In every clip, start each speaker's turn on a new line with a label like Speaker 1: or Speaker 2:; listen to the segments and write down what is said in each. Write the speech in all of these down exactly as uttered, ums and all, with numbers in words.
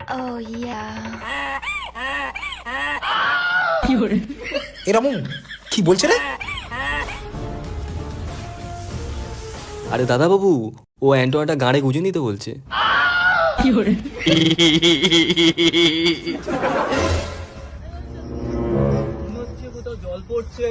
Speaker 1: Oh yeah.
Speaker 2: এরকম কি বলছে রে?
Speaker 3: আরে দাদা বাবু, ও অ্যান্টোনাটা গাঁড়ে গুঁজে নিতে বলছে। কোথাও জল পড়ছে।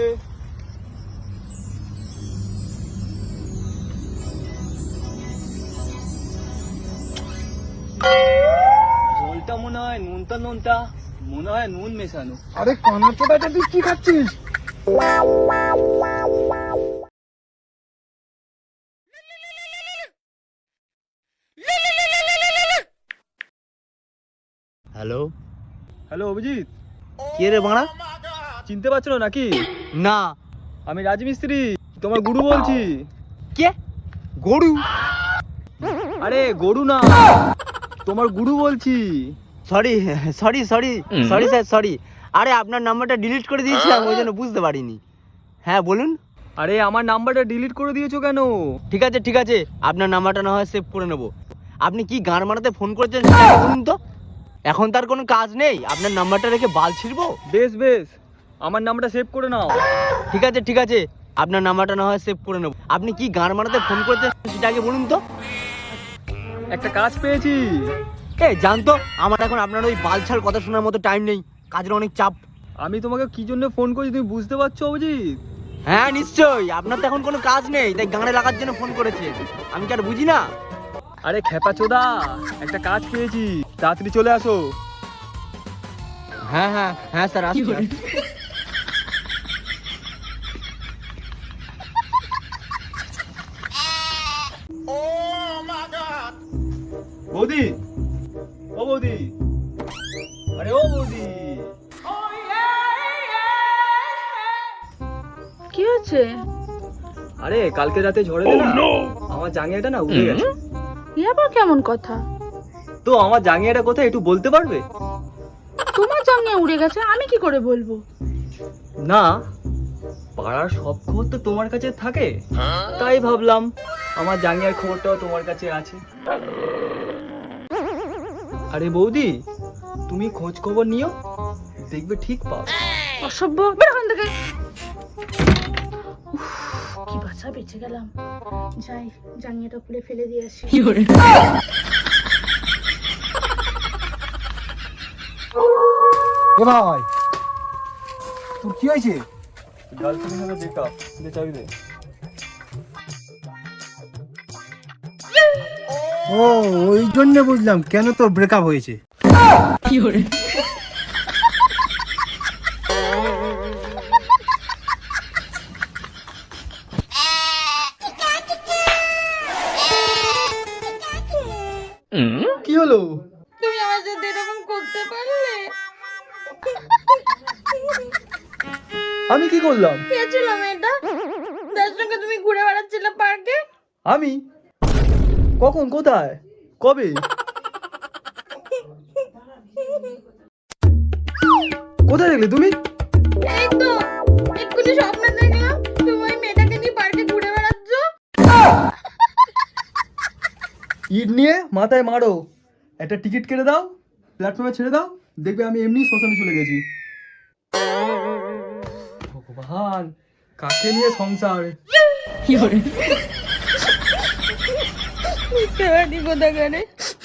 Speaker 3: জলটা মনে হয় নুনটা নুনটা মনে হয় নুন মেশানো।
Speaker 4: আরে কনাচোদাটা তুই কি খাচ্ছিস?
Speaker 5: হ্যালো
Speaker 3: হ্যালো অভিজিৎ,
Speaker 5: কে রে বাড়া?
Speaker 3: চিনতে পারছো না নাকি?
Speaker 5: না।
Speaker 3: আমি রাজমিস্ত্রি, তোমার গুরু বলছি।
Speaker 5: কে? গরু?
Speaker 3: আরে গরু না, তোমার গুরু বলছি।
Speaker 5: Sorry sorry sorry sorry sir sorry. আরে আপনার নাম্বারটা ডিলিট করে দিয়েছিলাম, ওই জন্য বুঝতে পারিনি। হ্যাঁ বলুন।
Speaker 3: আরে আমার নাম্বারটা ডিলিট করে দিয়েছো কেন?
Speaker 5: ঠিক আছে ঠিক আছে, আপনার নাম্বারটা না হয় সেভ করে নেবো। আপনি কি গান মারাতে ফোন করেছেন সেটা বলুন তো। এখন তার কোনো কাজ নেই, আপনার নাম্বারটা রেখে বাল ছিড়বো?
Speaker 3: বেশ বেশ, আমার নাম্বারটা সেভ করে নাও।
Speaker 5: ঠিক আছে ঠিক আছে, আপনার নাম্বারটা না হয় সেভ করে নেবো। আপনি কি গান মারাতে ফোন করেছেন সেটা আগে বলুন তো।
Speaker 3: একটা কাজ পেয়েছি।
Speaker 5: এ জানতো, আমার এখন আপনার ওই বালছাল কথা শোনার মতো টাইম নেই, কাজের অনেক চাপ।
Speaker 3: আমি তোমাকে কি জন্য ফোন করছি তুমি বুঝতে পারছো অভিজিৎ?
Speaker 5: হ্যাঁ নিশ্চয়ই, আপনার তো এখন কোনো কাজ নেই তাই গানে লাগার জন্য ফোন করেছে। আমি কি আর বুঝি না?
Speaker 3: আরে খেপা চোদা, একটা কাজ পেয়েছি, তাড়াতাড়ি চলে আসো।
Speaker 5: হ্যাঁ হ্যাঁ হ্যাঁ স্যার আসছি।
Speaker 3: বৌদি, ও বৌদি, আরে ও বৌদি।
Speaker 1: কি হচ্ছে?
Speaker 3: আরে কালকে রাতে ঝড়ে না আমার জাঙ্গিয়াটা না উড়ে গেছে।
Speaker 1: এ আবার কেমন কথা?
Speaker 3: তো আমার জাঙ্গিয়াটা কোথায় একটু বলতে পারবে?
Speaker 1: তোমার জাঙ্গিয়া উড়ে গেছে, আমি কি করে বলবো?
Speaker 3: না, পাড়ার সব খবর তো তোমার কাছে থাকে, তাই ভাবলাম আমার জাঙ্গিয়ার খবরটাও তোমার কাছে আছে। আরে বৌদি, তুমি খোঁজ খবর নিও, দেখবে ঠিক পাও।
Speaker 1: অসভ্য, বের ওখান থেকে। উফ, কি বাঁচা বেঁচে গেলাম। যাই, জাঙ্গিয়াটা খুলে ফেলে দিয়ে আসি।
Speaker 4: এ ভাই, তোর কি হয়েছে?
Speaker 3: গার্লফ্রেন্ডের সাথে ব্রেকআপ, দে চাবি দে।
Speaker 4: ও ওই জন্য বুঝলাম কেন তোর ব্রেকআপ হয়েছে।
Speaker 3: কি হলো?
Speaker 1: তুমি আমার সাথে এরকম করতে পারলে?
Speaker 3: আমি কি করলাম?
Speaker 1: কে ছিল মেয়েটা যার সঙ্গে তুমি ঘুরে বেড়াচ্ছিলে পার্কে?
Speaker 3: আমি? কখন, কোথায়, কবে? কোথায় দেখলে তুমি?
Speaker 1: এই তো এক্ষুনি স্বপ্ন দেখলাম তুমি ওই মেয়েটাকে নিয়ে পার্কে ঘুরে বেড়াচ্ছ।
Speaker 3: ইট নিয়ে মাথায় মারো, একটা টিকিট কেটে দাও, প্ল্যাটফর্মে ছেড়ে দাও, দেখবে আমি এমনি শ্মশানে চলে গেছি। ভগবান, কাকে নিয়ে সংসার।
Speaker 1: বুঝতে পারি কোথাকারে।